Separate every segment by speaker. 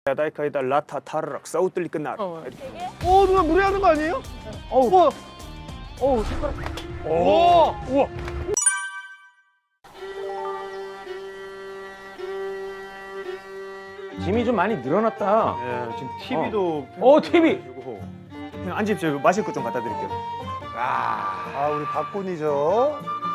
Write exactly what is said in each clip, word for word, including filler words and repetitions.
Speaker 1: 야다이카이다 라타 타르락 사우틀리 끝나라.
Speaker 2: 어 누나 무리하는 거 아니에요? 어우 와. 어우 색깔.
Speaker 1: 오, 우와.
Speaker 3: 짐이 좀 많이 늘어났다.
Speaker 1: 예, 지금 티비도.
Speaker 3: 어, 티비!
Speaker 1: 그냥 앉으십시오. 마실 것 좀 갖다 드릴게요.
Speaker 2: 아 우리 박군이죠.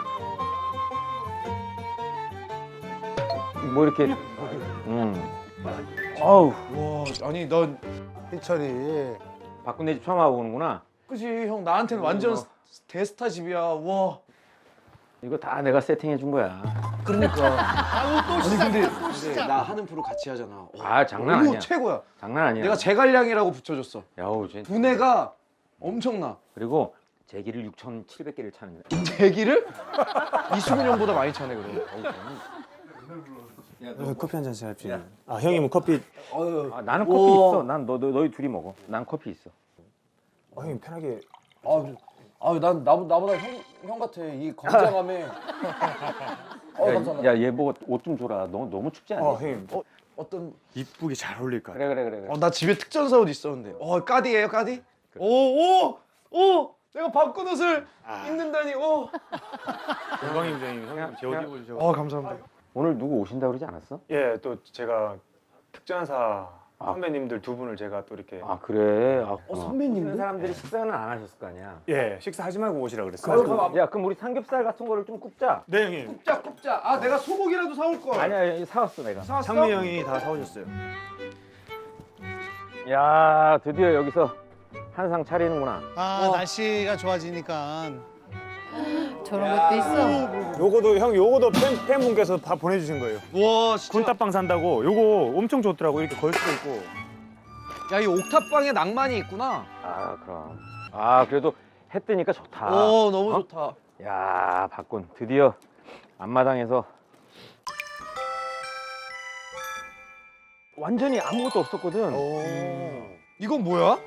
Speaker 3: 뭐 이렇게 음. 어우,
Speaker 2: 와 아니 넌
Speaker 4: 희철이
Speaker 3: 바꾼 내 집 처음 와보는구나.
Speaker 2: 그지 형 나한테는 완전
Speaker 3: 어.
Speaker 2: 대스타 집이야. 와.
Speaker 3: 이거 다 내가 세팅해 준 거야.
Speaker 2: 그러니까. 아니 근데, 근데 나 하는 프로 같이 하잖아. 와,
Speaker 3: 아, 장난
Speaker 2: 이거
Speaker 3: 아니야.
Speaker 2: 최고야.
Speaker 3: 장난 아니야.
Speaker 2: 내가 제갈량이라고 붙여줬어.
Speaker 3: 야우, 쟤.
Speaker 2: 분해가 엄청나.
Speaker 3: 그리고 제기를 육천칠백 개를 차는 거야.
Speaker 2: 대기를? 이수근 형보다 많이 차네 그래.
Speaker 1: 어, 커피 한 잔씩 합시다. 아 형이 뭐 커피.
Speaker 2: 어휴.
Speaker 3: 아, 나는 커피
Speaker 2: 우와.
Speaker 3: 있어. 난 너, 너 너희 둘이 먹어. 난 커피 있어.
Speaker 1: 아 형님 편하게.
Speaker 2: 아유, 아유 난 나, 나보다 형, 형 같아. 이 건장함에. 어, 감사합니다.
Speaker 3: 야, 얘 보고 옷 좀 줘라. 너 너무 춥지 않니?
Speaker 1: 어 형님.
Speaker 2: 어, 어떤
Speaker 1: 이쁘게 잘 어울릴 것 같아.
Speaker 3: 그래 그래 그래 그래.
Speaker 2: 어, 나 집에 특전사 옷 있었는데. 어, 까디예요, 까디? 오, 오, 오! 내가 바꾼 옷을
Speaker 1: 아.
Speaker 2: 입는다니. 오.
Speaker 1: 영광입니다 형님. 형님 제 옷
Speaker 3: 그냥-
Speaker 1: 입어주셔.
Speaker 2: 어, 감사합니다.
Speaker 3: 오늘 누구 오신다 그러지 않았어?
Speaker 1: 예, 또 제가 특전사
Speaker 3: 아.
Speaker 1: 선배님들 두 분을 제가 또 이렇게.
Speaker 3: 아 그래. 아,
Speaker 2: 어, 선배님들?
Speaker 3: 오시는 사람들이 식사는 안 하셨을 거 아니야.
Speaker 1: 예, 식사하지 말고 오시라 그랬어요.
Speaker 3: 야, 그럼 우리 삼겹살 같은 거를 좀 굽자.
Speaker 1: 네 형님.
Speaker 2: 굽자, 굽자. 아, 내가 소고기라도 사올 걸.
Speaker 3: 아니야, 사왔어 내가.
Speaker 2: 사왔어?
Speaker 1: 창미 형이 다 사오셨어요.
Speaker 3: 야, 드디어 여기서 한상 차리는구나.
Speaker 4: 아
Speaker 2: 어.
Speaker 4: 날씨가 좋아지니까
Speaker 5: 저런 것도 있어.
Speaker 1: 요거도 형 요거도 팬, 팬분께서 다 보내주신 거예요.
Speaker 2: 와, 진짜.
Speaker 1: 군따빵 산다고 요거 엄청 좋더라고. 이렇게 걸 수도 있고.
Speaker 2: 야, 이 옥탑방에 낭만이 있구나.
Speaker 3: 아, 그럼. 아, 그래도 해 뜨니까 좋다.
Speaker 2: 오, 너무
Speaker 3: 어?
Speaker 2: 좋다.
Speaker 3: 야, 박군 드디어 앞마당에서 완전히 아무것도 없었거든.
Speaker 2: 이건 뭐야?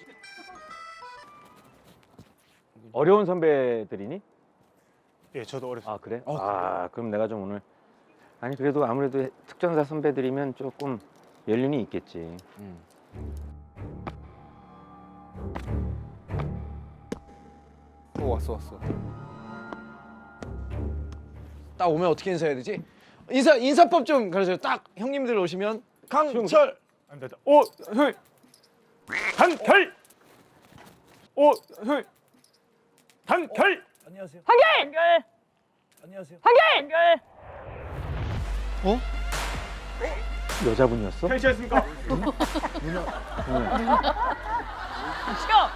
Speaker 3: 어려운 선배들이니?
Speaker 1: 예, 저도 어렸어요.
Speaker 3: 아, 그래?
Speaker 2: 어,
Speaker 3: 아, 그럼 내가 좀 오늘 아니 그래도 아무래도 특전사 선배들이면 조금 연륜이 있겠지.
Speaker 2: 오, 왔어, 왔어. 딱 오면 어떻게 인사해야 되지? 인사 인사법 좀 가르쳐요. 딱 형님들 오시면 강철.
Speaker 1: 안 됐다. 오, 형. 단결. 오, 형. 단결.
Speaker 2: 안녕하세요.
Speaker 5: 한결!
Speaker 2: 안녕하세요.
Speaker 5: 한결!
Speaker 3: 여자분이었어?
Speaker 1: 팬시였습니까?
Speaker 5: 시켜!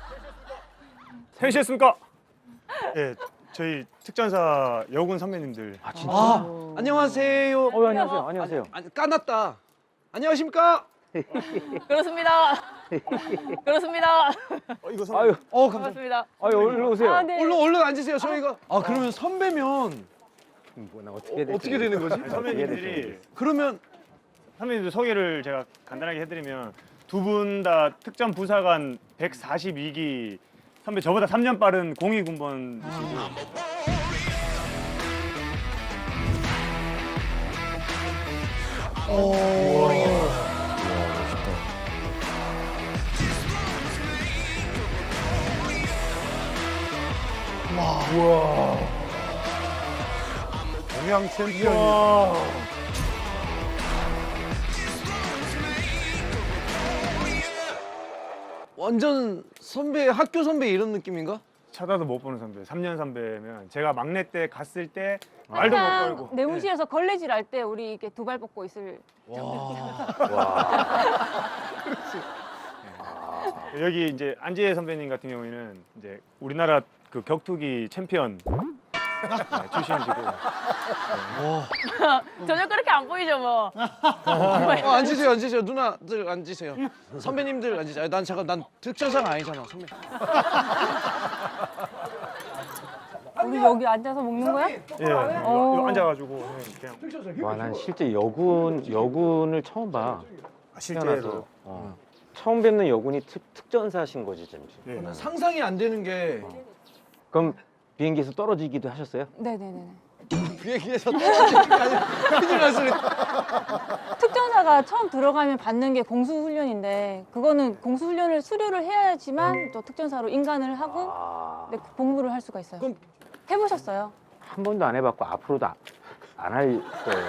Speaker 1: 팬시였습니까? 예, 저희 특전사 여군 선배님들.
Speaker 3: 아, 진짜?
Speaker 2: 아, 안녕하세요.
Speaker 3: 어, 안녕하세요. 안녕하세요.
Speaker 2: 아니, 까놨다. 안녕하십니까?
Speaker 5: 그렇습니다. 그렇습니다.
Speaker 1: 어, 이거 선배.
Speaker 3: 아유,
Speaker 2: 어, 감사합니다.
Speaker 5: 반갑습니다.
Speaker 3: 아유, 얼른 오세요.
Speaker 5: 아, 네.
Speaker 2: 얼른 얼른 앉으세요. 저희가 아, 그러면 선배면
Speaker 3: 뭐, 나
Speaker 2: 어,
Speaker 3: 어떻게, 되지?
Speaker 2: 어떻게 되는 거지?
Speaker 1: 아니, 선배님들이
Speaker 2: 그러면
Speaker 1: 선배님들 소개를 제가 간단하게 해드리면 두 분 다 특전 부사관 백사십이 기 선배 저보다 삼 년 빠른 공이 군번이시고.
Speaker 4: 동양 챔피언이
Speaker 2: 완전 선배 학교 선배 이런 느낌인가?
Speaker 1: 쳐다도 못 보는 선배. 삼 년 선배면 제가 막내 때 갔을 때 말도 못
Speaker 5: 항상
Speaker 1: 걸고.
Speaker 5: 내무실에서 걸레질 할 때 우리 이렇게 두 발 뻗고 있을
Speaker 1: 여기 이제 안지혜 선배님 같은 경우에는 이제 우리나라 그 격투기 챔피언 네, 출신이시고.
Speaker 5: 전혀 그렇게 안 보이죠 뭐.
Speaker 2: 어, 앉으세요, 앉으세요. 누나들 앉으세요. 선배님들 앉으세요. 아니, 난 잠깐 난 특전사가 아니잖아, 선배.
Speaker 5: 우리 여기 앉아서 먹는 거야?
Speaker 1: 예, 요, 요 앉아가지고 그냥
Speaker 3: 와, 난 실제 여군 여군을 처음 봐.
Speaker 1: 아,
Speaker 3: 태어나서.
Speaker 1: 실제로.
Speaker 3: 어. 처음 뵙는 여군이 특, 특전사신 거지, 잠시.
Speaker 1: 예.
Speaker 2: 상상이 안 되는 게
Speaker 3: 그럼 비행기에서 떨어지기도 하셨어요?
Speaker 5: 네네네.
Speaker 2: 비행기에서 떨어지는 게 아니라 큰일 날 소리.
Speaker 5: 특전사가 처음 들어가면 받는 게 공수훈련인데 그거는 공수훈련을 수료를 해야지만 또 특전사로 인간을 하고 네, 복무를 할 수가 있어요.
Speaker 2: 그럼-
Speaker 5: 해보셨어요?
Speaker 3: 한 번도 안 해봤고 앞으로도 안 할 거예요.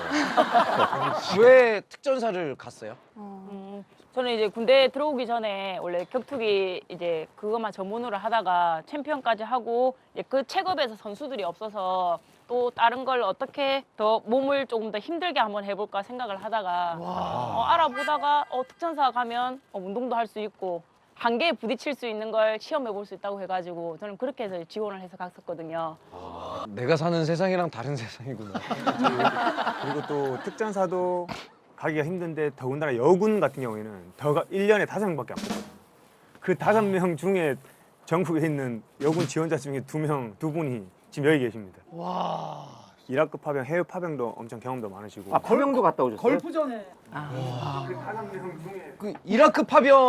Speaker 2: 왜 특전사를 갔어요?
Speaker 5: 어.
Speaker 6: 저는 이제 군대 들어오기 전에 원래 격투기 이제 그것만 전문으로 하다가 챔피언까지 하고 이제 그 체급에서 선수들이 없어서 또 다른 걸 어떻게 더 몸을 조금 더 힘들게 한번 해볼까 생각을 하다가 어, 알아보다가 어, 특전사 가면 어, 운동도 할 수 있고 한계에 부딪힐 수 있는 걸 시험해 볼 수 있다고 해가지고 저는 그렇게 해서 지원을 해서 갔었거든요.
Speaker 2: 내가 사는 세상이랑 다른 세상이구나.
Speaker 1: 그리고 또 특전사도 가기가 힘든데 더군다나 여군 같은 경우에는 더가 일 년에 다섯 명밖에 안 뽑거든요. 그 다섯 명 중에 전국에 있는 여군 지원자 중에 두 명, 두 분이 지금 여기 계십니다.
Speaker 4: 와.
Speaker 1: 이라크 파병, 해외 파병도 엄청 경험도 많으시고.
Speaker 3: 아, 파병도 갔다 오셨어요?
Speaker 2: 걸프전
Speaker 1: 그 다섯 명 중에
Speaker 2: 그 이라크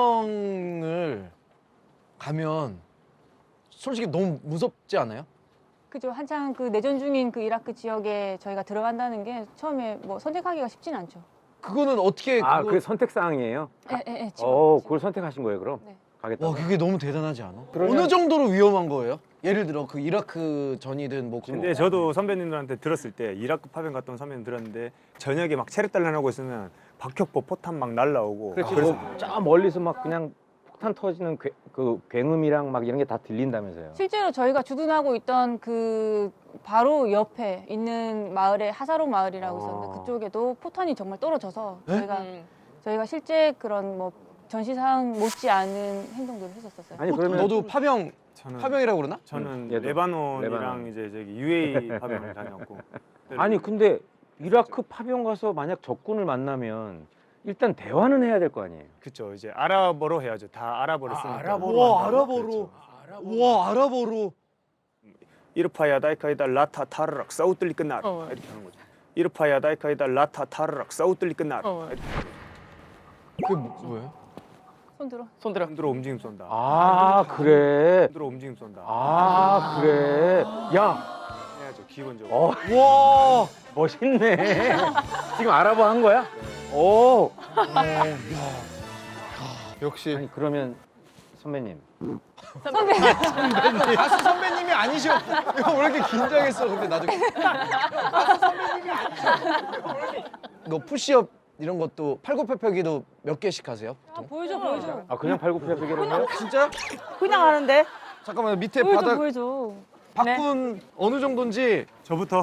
Speaker 2: 파병을 가면 솔직히 너무 무섭지 않아요?
Speaker 5: 그죠. 한창 그 내전 중인 그 이라크 지역에 저희가 들어간다는 게 처음에 뭐 선택하기가 쉽진 않죠.
Speaker 2: 그거는 어떻게
Speaker 3: 아,
Speaker 2: 그거...
Speaker 3: 그게 선택 사항이에요?
Speaker 5: 예, 예, 예.
Speaker 3: 어, 그걸 선택하신 거예요, 그럼?
Speaker 5: 네.
Speaker 3: 가겠다고?
Speaker 2: 와 그게 너무 대단하지 않아?
Speaker 3: 그러면-
Speaker 2: 어느 정도로 위험한 거예요? 예를 들어 그 이라크 전이든 뭐 그런
Speaker 1: 근데 저도 선배님들한테 들었을 때 이라크 파병 갔던 선배님 들었는데 저녁에 막 체력 단련하고 있으면 박격포 포탄 막 날라오고
Speaker 3: 그렇지,
Speaker 1: 그래서
Speaker 3: 뭐저 멀리서 막 그냥 폭탄 터지는 괴, 그 굉음이랑 막 이런 게 다 들린다면서요?
Speaker 5: 실제로 저희가 주둔하고 있던 그 바로 옆에 있는 마을에 하사로 마을이라고 있었는데
Speaker 3: 아.
Speaker 5: 그쪽에도 포탄이 정말 떨어져서
Speaker 2: 네?
Speaker 5: 저희가
Speaker 6: 음.
Speaker 5: 저희가 실제 그런 뭐 전시상 못지 않은 행동들을 했었었어요.
Speaker 3: 아니 그러면
Speaker 2: 너도 파병
Speaker 1: 저는
Speaker 2: 파병이라고 그러나?
Speaker 1: 저는
Speaker 3: 음, 얘도.
Speaker 1: 레바논이랑
Speaker 3: 레바논.
Speaker 1: 이제 저기 유에이 파병을 다녔고
Speaker 3: 아니 근데 이라크 파병 가서 만약 적군을 만나면 일단 대화는 해야 될 거 아니에요?
Speaker 1: 그쵸 이제 아랍어로 해야죠. 다 아랍어를 쓰니까.
Speaker 4: 아랍어로
Speaker 2: 와
Speaker 4: 한다고?
Speaker 2: 아랍어로 와 아랍어로
Speaker 1: 이르파야 다이카이다 라타 타르락 사우틀리 끝나라
Speaker 6: 어.
Speaker 1: 이렇게 하는 거죠. 이르파야 다이카이다 라타 타르락 사우틀리 끝나라
Speaker 6: 어.
Speaker 1: 이렇게
Speaker 2: 그게 뭐- 뭐예요?
Speaker 5: 손 들어.
Speaker 6: 손 들어.
Speaker 1: 손들어 움직임 쏜다.
Speaker 3: 아 그래?
Speaker 1: 손들어 움직임 쏜다.
Speaker 3: 아 그래? 야,
Speaker 1: 해야죠 기본적으로.
Speaker 3: 어
Speaker 2: 와
Speaker 3: 멋있네. 지금 알아봐 한 거야? 오.
Speaker 4: 역시
Speaker 3: 아니 그러면 선배님
Speaker 5: 선배.
Speaker 2: 가수 선배님이 아니셔. 이거 왜 이렇게 긴장했어? 근데 나중에 가수 선배님이 아니셔. 너 푸시업 이런 것도 팔굽혀펴기도 몇 개씩 하세요?
Speaker 5: 아,
Speaker 2: 보통?
Speaker 5: 보여줘, 보여줘.
Speaker 3: 아 그냥 팔굽혀펴기로 해요?
Speaker 2: 진짜?
Speaker 6: 그냥 하는데
Speaker 2: 잠깐만 밑에
Speaker 5: 보여줘,
Speaker 2: 바닥
Speaker 5: 보여줘.
Speaker 2: 박군 어느 정도인지
Speaker 1: 저부터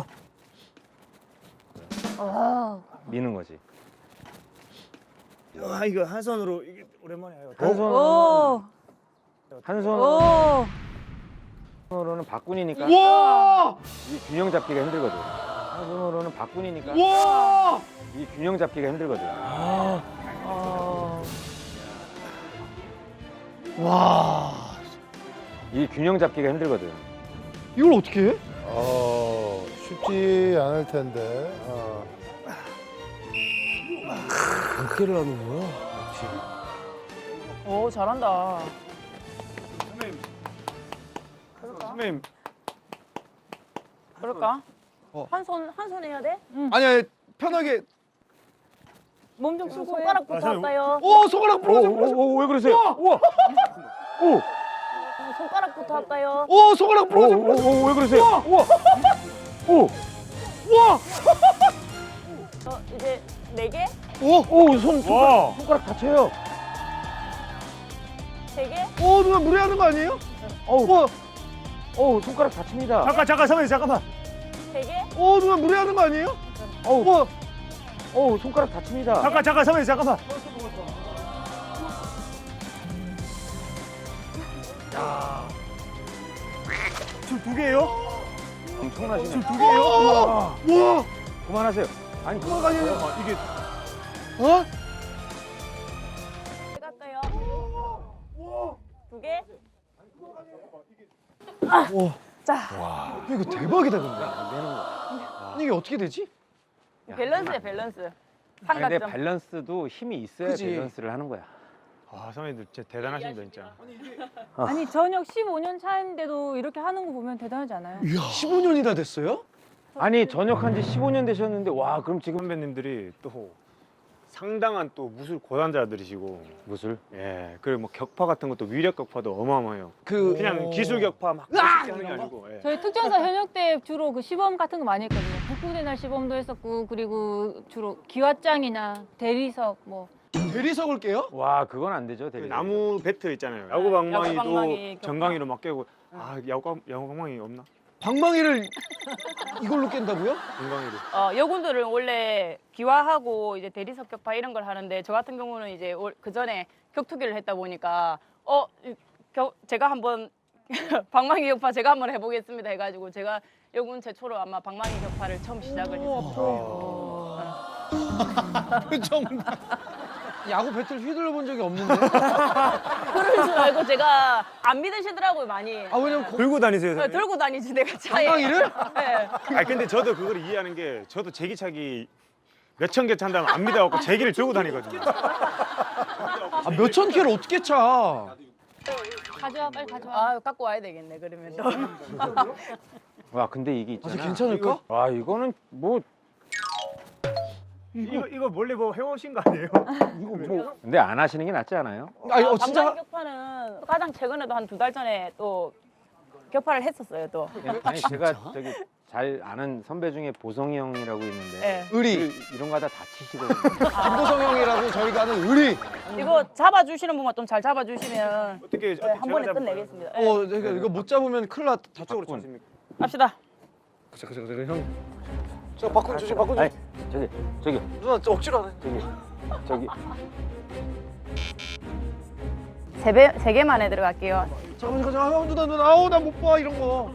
Speaker 5: 아,
Speaker 3: 미는 거지.
Speaker 1: 아 이거 한 손으로 이게 오랜만에 해요.
Speaker 3: 한 손,
Speaker 5: 오,
Speaker 3: 한
Speaker 5: 오.
Speaker 3: 손으로는 박군이니까
Speaker 2: 와!
Speaker 3: 이 균형 잡기가 힘들거든. 한 손으로는 박군이니까
Speaker 2: 와!
Speaker 3: 이 균형 잡기가 힘들거든.
Speaker 2: 와!
Speaker 3: 이 균형 잡기가 힘들거든.
Speaker 2: 이걸 어떻게 해?
Speaker 4: 어, 쉽지 않을 텐데. 어.
Speaker 2: 몇 개를 하는 거야?
Speaker 6: 오 잘한다.
Speaker 1: 선배님. 선배님
Speaker 6: 그럴까?
Speaker 2: 어.
Speaker 6: 한 손 한 손 해야 돼?
Speaker 2: 아니 아니 편하게
Speaker 5: 몸 좀 쓰고 해.
Speaker 6: 손가락부터
Speaker 1: 아, 저는-
Speaker 6: 할까요?
Speaker 2: 오 손가락 부러져 부러져
Speaker 3: 오오왜 그러세요? 우와. 오.
Speaker 6: 손가락부터 할까요?
Speaker 2: 오 손가락 부러져 부러져
Speaker 3: 오오왜 그러세요? 우와. 오.
Speaker 2: 와!
Speaker 6: 어, 이제 네 개?
Speaker 3: 오손
Speaker 1: 와.
Speaker 3: 손가락 다쳐요.
Speaker 6: 세 개?
Speaker 2: 오 누나 무리하는 거 아니에요?
Speaker 3: 어우
Speaker 2: 와!
Speaker 3: 어우 손가락 다칩니다.
Speaker 1: 잠깐 잠깐 선배님 잠깐만.
Speaker 6: 세 개?
Speaker 2: 오 누나 무리하는 거 아니에요?
Speaker 3: 어우
Speaker 2: 와!
Speaker 3: 어우 손가락 다칩니다.
Speaker 1: 잠깐 잠깐 선배님 잠깐만. 지금 두 개예요?
Speaker 3: 엄청나시네.
Speaker 1: 지금 두 개예요?
Speaker 2: 와! 와!
Speaker 3: 그만하세요. 아니 그만
Speaker 2: 아니, 아니.
Speaker 1: 잠깐만 이게
Speaker 2: 어?
Speaker 6: 갈까요? 두 개?
Speaker 2: 이거 대박이다 근데. 아니 이게 어떻게 되지?
Speaker 6: 밸런스야 밸런스.
Speaker 3: 아니, 근데
Speaker 6: 삼각점.
Speaker 3: 밸런스도 힘이 있어야
Speaker 2: 그지.
Speaker 3: 밸런스를 하는 거야.
Speaker 1: 아 선배님들 진짜 대단하십니다 진짜.
Speaker 5: 아니 전역 십오 년 차인데도 이렇게 하는 거 보면 대단하지 않아요?
Speaker 2: 십오 년이나 됐어요?
Speaker 3: 아니 전역한 지 십오 년 되셨는데 와 그럼 지금
Speaker 1: 선배님들이 또 상당한 또 무술 고단자들이시고
Speaker 3: 무술?
Speaker 1: 예 그리고 뭐 격파 같은 것도 위력 격파도 어마어마해요.
Speaker 2: 그
Speaker 1: 그냥 기술 격파 막
Speaker 2: 으악!
Speaker 1: 멋있게 하는 게 아니고 예.
Speaker 5: 저희 특전사 현역 때 주로 그 시범 같은 거 많이 했거든요. 북부대 날 시범도 했었고 그리고 주로 기왓장이나 대리석 뭐
Speaker 2: 대리석을 깨요?
Speaker 3: 와 그건 안 되죠
Speaker 1: 그
Speaker 3: 대리.
Speaker 1: 나무 배트 있잖아요. 야구
Speaker 6: 야구
Speaker 1: 방망이도
Speaker 6: 방망이 격파.
Speaker 1: 정강이로 막 깨고 아 야구 야구 방망이 없나?
Speaker 2: 방망이를 이걸로 깬다고요?
Speaker 1: 정강이로.
Speaker 6: 어, 여군들은 원래 기화하고 이제 대리석 격파 이런 걸 하는데 저 같은 경우는 이제 그 전에 격투기를 했다 보니까 어 이- 겨, 제가 한번 방망이 격파 제가 한번 해보겠습니다 해가지고 제가 여군 최초로 아마 방망이 격파를 처음 시작을 했어요.
Speaker 2: 표정. 야구 배틀 휘둘러 본 적이 없는데.
Speaker 6: 그럴 줄 알고 제가 안 믿으시더라고요 많이.
Speaker 2: 아 왜냐면 거-
Speaker 1: 들고 다니세요.
Speaker 6: 네,
Speaker 1: 선생님?
Speaker 6: 들고 다니지 내가 차에.
Speaker 2: 방망이를?
Speaker 6: 네.
Speaker 1: 아 근데 저도 그걸 이해하는 게 저도 제기차기 몇천 개 찬다면 안 믿어갖고 제기를 들고 다니거든요.
Speaker 2: 아 몇천 킬을 어떻게 차?
Speaker 5: 가져와 빨리 가져와.
Speaker 6: 아 갖고 와야 되겠네 그러면 또.
Speaker 3: 와 근데 이게
Speaker 2: 아,
Speaker 3: 있잖아.
Speaker 2: 저 괜찮을까?
Speaker 3: 와 이거는 뭐
Speaker 1: 이거 이거 몰래 뭐 해오신 거 아니에요?
Speaker 3: 이거 뭐 근데 안 하시는 게 낫지 않아요?
Speaker 2: 아니 어
Speaker 6: 방망이
Speaker 2: 진짜
Speaker 6: 격파는 가장 최근에도 한 두 달 전에 또 격파를 했었어요 또.
Speaker 3: 아니 제가 저기 잘 아는 선배 중에 보성이 형이라고 있는데
Speaker 6: 네.
Speaker 2: 의리.
Speaker 3: 그 이런 거 하다 다치시거든요.
Speaker 2: 김보성 형이라고 저희가 아는 의리.
Speaker 6: 이거 잡아주시는 분만 좀 잘 잡아주시면
Speaker 1: 어떻게
Speaker 6: 네, 한 번에 끝내겠습니다. 네.
Speaker 2: 어 이거 이거 못 잡으면 큰일 나.
Speaker 1: 저쪽으로
Speaker 3: 바꾼.
Speaker 1: 쳤습니까?
Speaker 6: 갑시다.
Speaker 2: 잠깐 잠깐 잠깐 형. 저 바꾼 주지 바꾼
Speaker 3: 아니
Speaker 2: 주지.
Speaker 3: 저기 저기
Speaker 2: 누나 저 억지로 안 해.
Speaker 3: 저기 저기
Speaker 6: 세, 배, 세 개만에 들어갈게요.
Speaker 2: 잠깐 잠깐 잠깐 형 누나 누나 아우 나 못 봐 이런 거.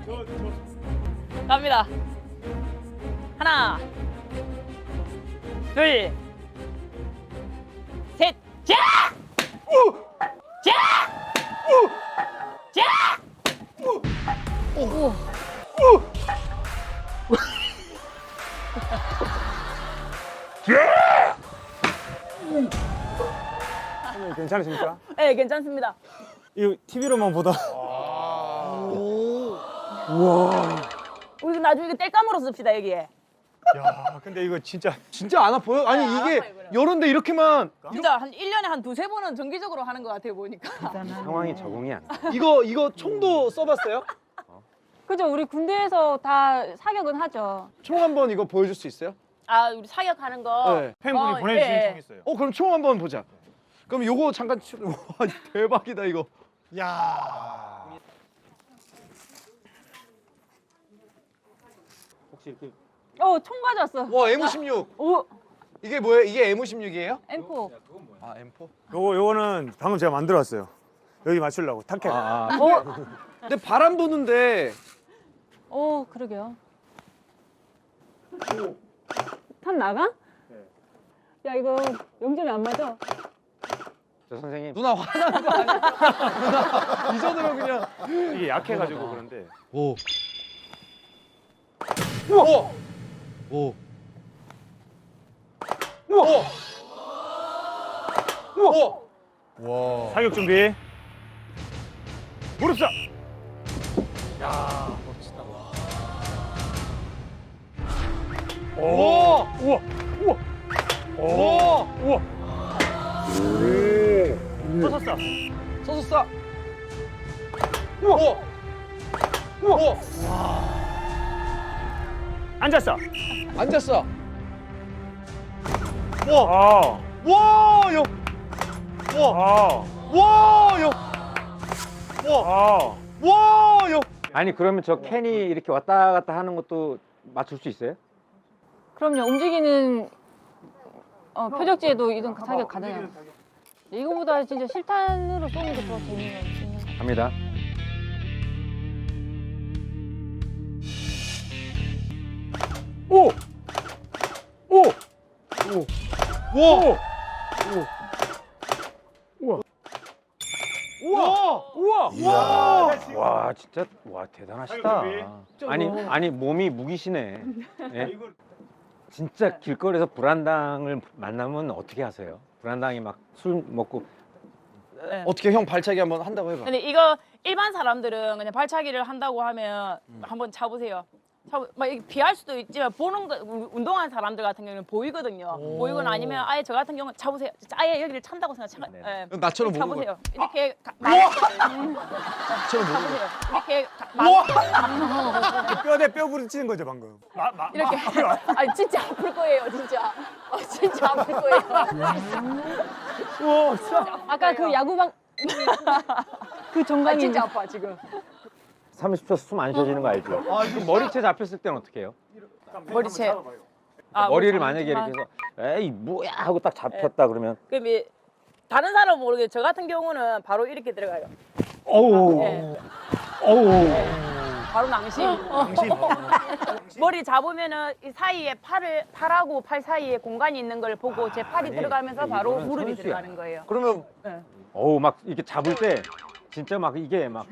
Speaker 6: 갑니다. 하나, 둘, 셋, 자! 자! 자!
Speaker 1: 선생님 괜찮으십니까?
Speaker 6: 네, 괜찮습니다.
Speaker 1: 이거 티비로만 보다.
Speaker 6: 우리 나중에 이거 뗄감으로 씁시다 여기에.
Speaker 1: 야 근데 이거 진짜
Speaker 2: 진짜 안 아파요? 아니
Speaker 6: 네, 안
Speaker 2: 이게
Speaker 6: 아파요, 이거는.
Speaker 2: 여론데 이렇게만
Speaker 6: 진짜 한 일 년에 한 두세 번은 정기적으로 하는 것 같아요 보니까.
Speaker 3: 상황이 적응이 안 돼.
Speaker 2: 이거 이거 총도 써봤어요?
Speaker 5: 그죠? 우리 군대에서 다 사격은 하죠.
Speaker 2: 총 한번 이거 보여줄 수 있어요?
Speaker 6: 아 우리 사격하는 거.
Speaker 2: 네.
Speaker 1: 팬분이
Speaker 6: 어,
Speaker 1: 보내주신
Speaker 6: 예.
Speaker 1: 총 있어요.
Speaker 2: 어 그럼 총 한번 보자. 그럼 요거 잠깐 치- 와 대박이다 이거.
Speaker 1: 야.
Speaker 3: 혹시 이렇게
Speaker 5: 어, 총 가져왔어.
Speaker 2: 와 엠 십육.
Speaker 5: 오,
Speaker 2: 이게 뭐예요? 이게 엠 십육이에요?
Speaker 5: 엠포.
Speaker 2: 아 엠 사.
Speaker 1: 요거 요거는 방금 제가 만들어왔어요. 여기 맞추려고 타켓.
Speaker 3: 아, 아,
Speaker 5: 어,
Speaker 2: 근데 바람 부는데
Speaker 5: 어, 그러게요. 탄 나가? 야, 이거 영점이 안 맞아.
Speaker 3: 저 선생님
Speaker 2: 누나 화나는 거 아니야? 누나 이 정도면 그냥.
Speaker 1: 이게 약해가지고 그런데.
Speaker 2: 오. 우와. 오. 우와. 우와. 와.
Speaker 1: 사격 준비. 무릎 쏴.
Speaker 2: 우와.
Speaker 1: 우와. 우와.
Speaker 2: 우와.
Speaker 1: 우와. 서서 쏴.
Speaker 2: 서서 쏴. 우와. 우와.
Speaker 1: 앉았어.
Speaker 2: 앉았어.
Speaker 1: 와.
Speaker 2: 와, 형. 와.
Speaker 1: 아.
Speaker 2: 와, 형.
Speaker 1: 아.
Speaker 2: 와, 형.
Speaker 3: 아니 그러면 저 캔이 이렇게 왔다 갔다 하는 것도 맞출 수 있어요?
Speaker 5: 그럼요. 움직이는 어, 표적지에도 이동 사격 가능해요. 이거보다 진짜 실탄으로 쏘는 게 더 재미있는 재미있는 것 같아요.
Speaker 3: 갑니다.
Speaker 1: 오. 오.
Speaker 2: 와.
Speaker 1: 우와.
Speaker 2: 우와.
Speaker 1: 우와.
Speaker 2: 와.
Speaker 3: 와 진짜 와 대단하시다. 아니 아니 몸이 무기시네. 예? 진짜 길거리에서 불안당을 만나면 어떻게 하세요? 불안당이 막 술 먹고
Speaker 6: 네.
Speaker 2: 어떻게 형 발차기 한번 한다고 해봐.
Speaker 6: 근데 이거 일반 사람들은 그냥 발차기를 한다고 하면 한번 차보세요. 참, 막 이렇게 피할 수도 있지만 보는 거 우- 운동하는 사람들 같은 경우는 보이거든요. 보이거나 아니면 아예 저 같은 경우는 잡으세요. 아예 여기를 찬다고 생각.
Speaker 3: 네.
Speaker 6: 예.
Speaker 2: 나처럼 모르는
Speaker 6: 잡으세요. 이렇게 가-
Speaker 2: 나처럼 모르는
Speaker 6: 잡으세요. 이렇게 가-
Speaker 1: 뼈대 뼈 부딪히는 거죠 방금. 마, 마,
Speaker 6: 이렇게. 아니 진짜 아플 거예요, 진짜. 어, 진짜 아플 거예요.
Speaker 5: 아까 그 야구방 그 정강이
Speaker 6: 진짜 아파 지금.
Speaker 3: 삼십 초 숨 안 쉬어지는 거 알죠? 아, 그럼 머리채 잡혔을 때는 어떻게 해요?
Speaker 6: 머리채. 아,
Speaker 3: 머리를
Speaker 6: 뭐
Speaker 3: 만약에
Speaker 6: 잠시만.
Speaker 3: 이렇게 해서 에이 뭐야 하고 딱 잡혔다 그러면
Speaker 6: 그럼 이 다른 사람은 모르겠어요. 저 같은 경우는 바로 이렇게 들어가요.
Speaker 3: 어우
Speaker 6: 네.
Speaker 3: 어우
Speaker 6: 바로 낭심. 머리 잡으면은 이 사이에 팔을 팔하고 팔 사이에 공간이 있는 걸 보고 제 팔이
Speaker 3: 아니,
Speaker 6: 들어가면서 바로
Speaker 3: 이거는
Speaker 6: 무릎이
Speaker 3: 선수야.
Speaker 6: 들어가는 거예요.
Speaker 2: 그러면
Speaker 3: 어우 막 이렇게 잡을 때 진짜 막 이게 막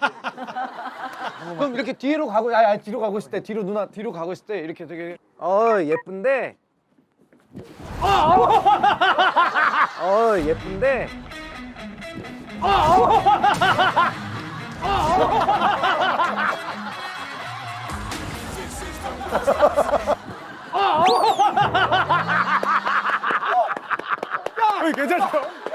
Speaker 2: 그럼 이렇게 뒤로 가고 아, 아 뒤로 가고 있을 때 뒤로 누나 뒤로 가고 있을 때 이렇게 되게 어 예쁜데 어 예쁜데
Speaker 1: 괜찮죠?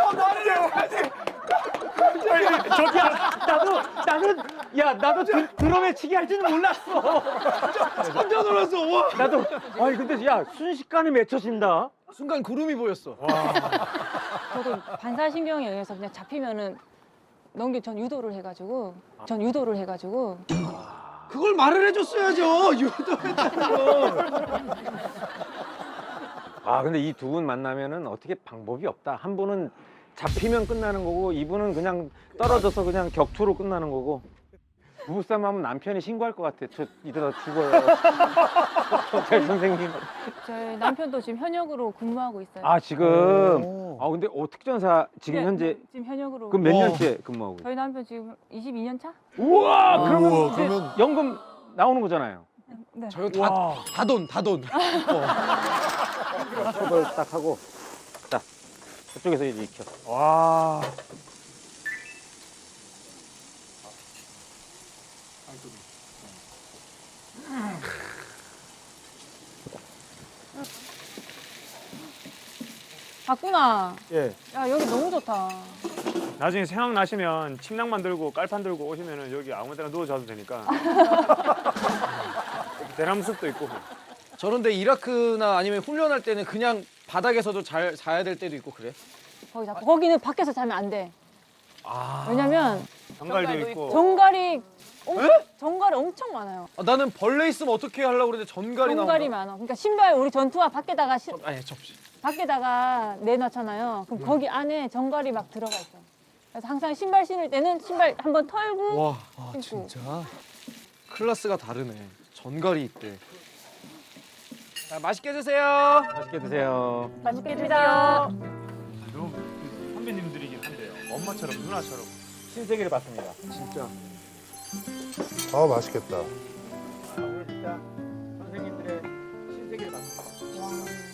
Speaker 3: 나도 나는 야 나도 드, 드럼에 치기 할 줄은 몰랐어.
Speaker 2: 깜짝 놀랐어. 와.
Speaker 3: 나도 아니 근데 야 순식간에 맺혀진다.
Speaker 2: 순간 구름이 보였어.
Speaker 5: 저도 반사신경에 의해서 그냥 잡히면은 넘기 전 유도를 해가지고 전 유도를 해가지고
Speaker 2: 그걸 말을 해줬어야죠. 유도했다는 거.
Speaker 3: 아 근데 이 두 분 만나면은 어떻게 방법이 없다. 한 분은 잡히면 끝나는 거고 이분은 그냥 떨어져서 그냥 격투로 끝나는 거고. 부부싸움 하면 남편이 신고할 것 같아. 저 이러다 죽어요. 경찰 선생님.
Speaker 5: 저희 남편도 지금 현역으로 근무하고 있어요.
Speaker 3: 아 지금 아 근데 어 특전사 지금
Speaker 5: 네,
Speaker 3: 현재
Speaker 5: 지금 현역으로.
Speaker 3: 그럼 몇
Speaker 2: 어.
Speaker 3: 년째 근무하고 있어요?
Speaker 5: 저희 남편 지금 이십이 년 차?
Speaker 3: 우와 그러면
Speaker 4: 우와,
Speaker 3: 이제
Speaker 4: 그러면-
Speaker 3: 연금 나오는 거잖아요.
Speaker 5: 네.
Speaker 2: 저거 다다 돈, 다 돈.
Speaker 3: 처벌 딱 하고 딱 저쪽에서 이제 익혀.
Speaker 1: 와.
Speaker 5: 봤구나.
Speaker 1: 예.
Speaker 5: 야 여기 너무 좋다.
Speaker 1: 나중에 생각 나시면 침낭만 들고 깔판 들고 오시면은 여기 아무데나 누워 자도 되니까. 여기 대나무 숲도 있고.
Speaker 2: 저런데 이라크나 아니면 훈련할 때는 그냥 바닥에서도 잘 자야 될 때도 있고 그래?
Speaker 5: 거기 자 거기는 밖에서 자면 안 돼.
Speaker 2: 아.
Speaker 5: 왜냐면
Speaker 1: 정갈도
Speaker 6: 정갈도
Speaker 1: 있고.
Speaker 5: 정갈이 엄, 정갈이 엄청 많아요.
Speaker 2: 아, 나는 벌레 있으면 어떻게 하려고 그러는데 전갈이 나온다.
Speaker 5: 정갈이 많아. 그러니까 신발 우리 전투화 밖에다가 시,
Speaker 2: 아니 접시.
Speaker 5: 밖에다가 내놨잖아요. 그럼 거기 안에 정갈이 막 들어가 있어. 그래서 항상 신발 신을 때는 신발 한번 털고
Speaker 2: 와, 아,
Speaker 5: 신고.
Speaker 2: 진짜 클래스가 다르네. 전갈이 있대. 자, 맛있게 드세요.
Speaker 3: 맛있게 드세요.
Speaker 6: 맛있게 드세요.
Speaker 1: 선배님들이긴 한데요. 엄마처럼 누나처럼.
Speaker 3: 신세계를 봤습니다.
Speaker 2: 진짜.
Speaker 4: 아 맛있겠다.
Speaker 3: 오늘 진짜 선생님들의 신세계를 봤습니다.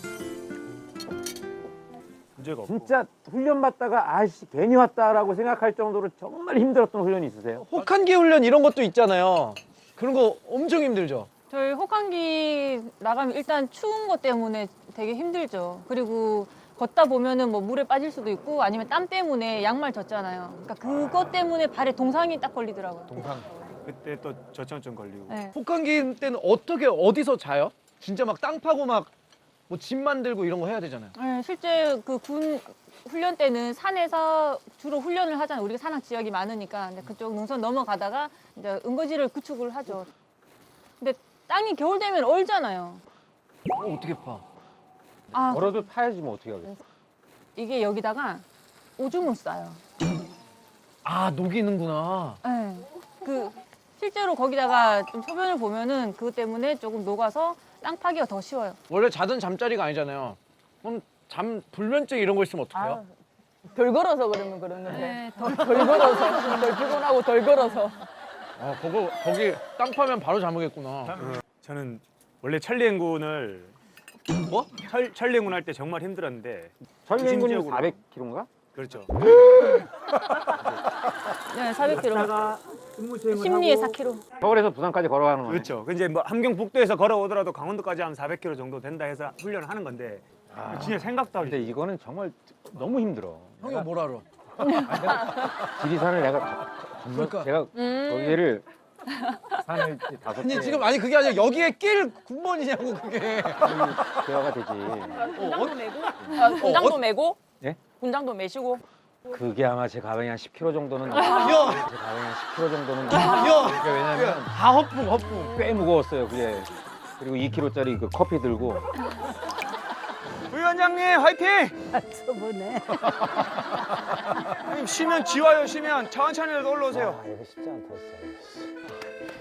Speaker 1: 문제가 없고.
Speaker 3: 진짜 훈련 받다가 아씨 괜히 왔다라고 생각할 정도로 정말 힘들었던 훈련이 있으세요?
Speaker 2: 혹한기 훈련 이런 것도 있잖아요. 그런 거 엄청 힘들죠.
Speaker 5: 저희 혹한기 나가면 일단 추운 것 때문에 되게 힘들죠. 그리고 걷다 보면은 뭐 물에 빠질 수도 있고 아니면 땀 때문에 양말 젖잖아요. 그러니까 그것 때문에 발에 동상이 딱 걸리더라고요.
Speaker 2: 동상.
Speaker 1: 그때 또 저청증 걸리고.
Speaker 5: 네.
Speaker 2: 혹한기 때는 어떻게 어디서 자요? 진짜 막 땅 파고 막 뭐 집 만들고 이런 거 해야 되잖아요.
Speaker 5: 네, 실제 그 군 훈련 때는 산에서 주로 훈련을 하잖아요. 우리가 산악 지역이 많으니까. 근데 그쪽 능선 넘어가다가 이제 은거지를 구축을 하죠. 근데 땅이 겨울 되면 얼잖아요.
Speaker 2: 어, 어떻게 파?
Speaker 5: 아,
Speaker 3: 걸어도 파야지 뭐 어떻게 하겠어.
Speaker 5: 이게 여기다가 오줌을 싸요.
Speaker 2: 아 녹이는구나.
Speaker 5: 네. 그 실제로 거기다가 좀 소변을 보면은 그것 때문에 조금 녹아서 땅 파기가 더 쉬워요.
Speaker 2: 원래 자던 잠자리가 아니잖아요. 그럼 잠 불면증 이런 거 있으면 어떡해요?
Speaker 6: 아, 덜 걸어서 그러면 그런 건데.
Speaker 5: 네, 더
Speaker 6: 덜 걸어서. 덜 피곤하고 덜 걸어서.
Speaker 2: 아 그거 거기 땅 파면 바로 잠오겠구나.
Speaker 1: 저는 원래 천리행군을
Speaker 2: 뭐?
Speaker 1: 철, 천리행군 할 때 정말 힘들었는데
Speaker 3: 천리행군이
Speaker 1: 중심지역으로.
Speaker 3: 사백 킬로인가?
Speaker 1: 그렇죠.
Speaker 5: 네, 사백 킬로미터.
Speaker 3: 갔다가
Speaker 5: 심리에 사 킬로미터.
Speaker 3: 서울에서 부산까지 걸어가는 거네.
Speaker 1: 그렇죠. 그 이제 뭐 함경북도에서 걸어오더라도 강원도까지 한 사백 킬로미터 정도 된다 해서 훈련을 하는 건데 진짜 생각도 하기.
Speaker 3: 근데 이거는 정말 너무 힘들어.
Speaker 2: 형이 뭘 알아?
Speaker 3: 지리산을 내가 가- 건너
Speaker 2: 그러니까.
Speaker 3: 제가
Speaker 6: 음.
Speaker 3: 거기를 산을 이제 다섯 개
Speaker 2: 아니 지금 아니 그게 아니라 여기에 낄 군번이냐고 그게.
Speaker 3: 대화가 되지.
Speaker 6: 군장도 메고, 아, 군장도 메고,
Speaker 3: 예?
Speaker 6: 군장도 메시고.
Speaker 3: 그게 아마 제 가방에 한 십 킬로미터 정도는
Speaker 2: 야,
Speaker 3: 제 가방에 한 십 킬로미터 정도는
Speaker 2: 야,
Speaker 3: 그게 왜냐면
Speaker 2: 다 허풍 허풍.
Speaker 3: 꽤 무거웠어요. 그게 그리고 이 킬로미터짜리 그 커피 들고
Speaker 1: 부위원장님 화이팅!
Speaker 7: 저번에
Speaker 1: 형님 쉬면 지와요. 쉬면 천천히라도 올라오세요.
Speaker 3: 아 이거 쉽지 않다 진짜.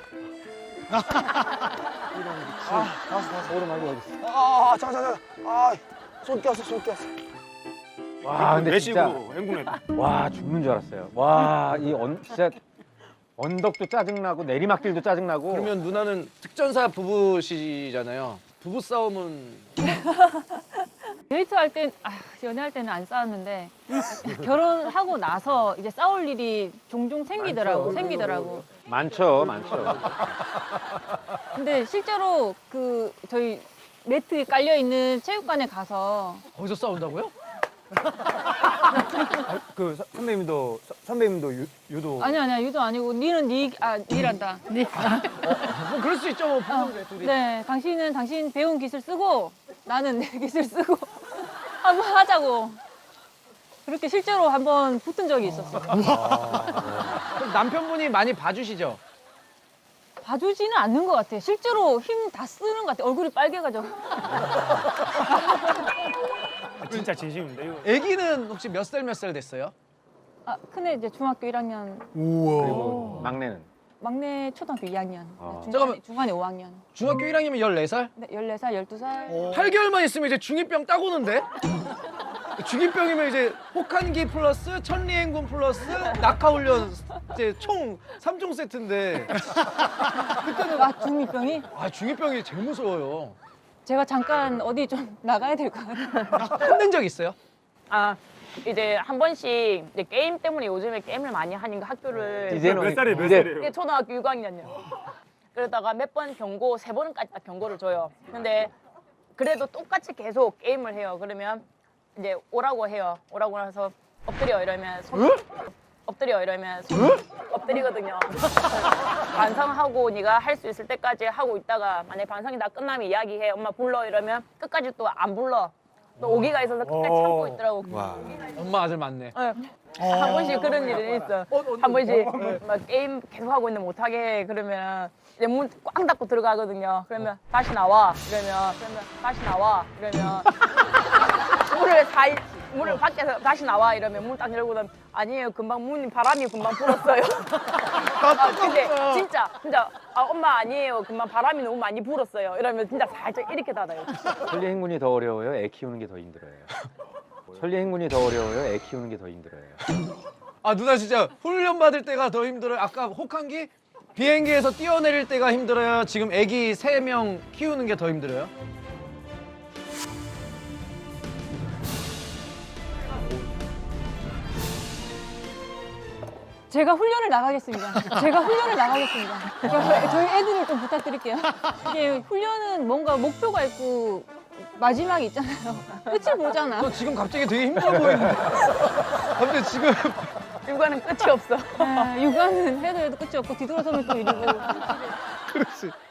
Speaker 3: 오르막이 어디 있어?
Speaker 2: 아, 잠깐 잠깐. 아, 손 꼈어, 손 꼈어.
Speaker 3: 와 근데
Speaker 1: 내쉬고
Speaker 3: 진짜
Speaker 1: 행군해.
Speaker 3: 와 죽는 줄 알았어요. 와이 진짜 언덕도 짜증나고 내리막길도 짜증나고.
Speaker 2: 그러면 누나는 특전사 부부시잖아요. 부부 싸움은
Speaker 5: 데이트할 땐, 아, 연애할 때는 안 싸웠는데 결혼하고 나서 이제 싸울 일이 종종 생기더라고, 생기더라고.
Speaker 3: 많죠, 많죠.
Speaker 5: 근데 실제로 그 저희 매트 깔려 있는 체육관에 가서
Speaker 2: 거기서 싸운다고요?
Speaker 1: 그 서- 선배님도 서- 선배님도 유, 유도
Speaker 5: 아니 아니야 유도 아니고 니는 니, 아 니란다.
Speaker 2: 뭐 그럴 수 있죠, 뭐 부부인데 둘이.
Speaker 5: 네, 당신은 당신 배운 기술 쓰고 나는 내 기술 쓰고 한번 하자고. 그렇게 실제로 한번 붙은 적이 있었어.
Speaker 2: 그럼 남편분이 많이 봐주시죠?
Speaker 5: 봐주지는 않는 것 같아. 실제로 힘 다 쓰는 것 같아. 얼굴이 빨개가지고.
Speaker 1: 아, 진짜 진심인데 이거.
Speaker 2: 아기는 혹시 몇 살 몇 살 됐어요?
Speaker 5: 아, 큰애 이제 중학교 일 학년,
Speaker 3: 그리고 막내는
Speaker 5: 막내 초등학교 이 학년,
Speaker 2: 잠깐만.
Speaker 5: 중간에, 중간에 오 학년.
Speaker 2: 중학교 일 학년이면 열네 살?
Speaker 5: 네, 열네 살, 열두 살.
Speaker 2: 팔 개월만 있으면 이제 중이병 딱 오는데? 중이병이면 이제 혹한기 플러스 천리행군 플러스 낙하훈련 이제 총 삼 종 세트인데
Speaker 5: 아, 중이병이?
Speaker 2: 아 중이병이 제일 무서워요.
Speaker 5: 제가 잠깐 어디 좀 나가야 될 것 같아요.
Speaker 2: 혼낸 적 있어요?
Speaker 6: 아, 이제 한 번씩 이제 게임 때문에 요즘에 게임을 많이 하니까 학교를
Speaker 3: 이제는
Speaker 1: 몇 살이에요? 몇
Speaker 3: 이제
Speaker 1: 살이에요?
Speaker 6: 이게 초등학교 육 학년이요. 그러다가 몇 번 경고, 세 번까지 딱 경고를 줘요. 근데 그래도 똑같이 계속 게임을 해요. 그러면 이제 오라고 해요. 오라고 나서 엎드려 이러면 손 엎드려 이러면 손 엎드리거든요. 반성하고 네가 할 수 있을 때까지 하고 있다가 만약에 반성이 다 끝나면 이야기해. 엄마 불러 이러면 끝까지 또 안 불러. 또 오기가 있어서 끝까지 참고 있더라고.
Speaker 2: 엄마 아들 맞네.
Speaker 6: 네. 한 번씩 그런 일이 있어. 한 번씩 막 게임 계속 하고 있는데 못하게 해. 그러면 이제 문 꽝 닫고 들어가거든요. 그러면 다시 나와. 이러면 그러면 다시 나와. 이러면 문을 다 문을 밖에서 다시 나와. 이러면 문 딱 열고는 아니에요. 금방 문이 바람이 금방 불었어요. 아, 근데 진짜 진짜 아, 엄마 아니에요. 금방 바람이 너무 많이 불었어요. 이러면 진짜 살짝 이렇게 닫아요.
Speaker 3: 천리 행군이 더 어려워요. 애 키우는 게 더 힘들어요. 천리 행군이 더 어려워요. 애 키우는 게 더 힘들어요.
Speaker 2: 아 누나 진짜 훈련 받을 때가 더 힘들어요. 아까 혹한기 비행기에서 뛰어내릴 때가 힘들어요. 지금 아기 세 명 키우는 게 더 힘들어요.
Speaker 5: 제가 훈련을 나가겠습니다. 제가 훈련을 나가겠습니다. 그러니까 저희 애들을 좀 부탁드릴게요. 이게 훈련은 뭔가 목표가 있고 마지막이 있잖아요. 끝을 보잖아.
Speaker 2: 너 지금 갑자기 되게 힘들어 보이는데. 갑자기 지금
Speaker 6: 육아는 끝이 없어.
Speaker 5: 네, 육아는 해도 해도 끝이 없고 뒤돌아서면 또 이러고.
Speaker 2: 그렇지.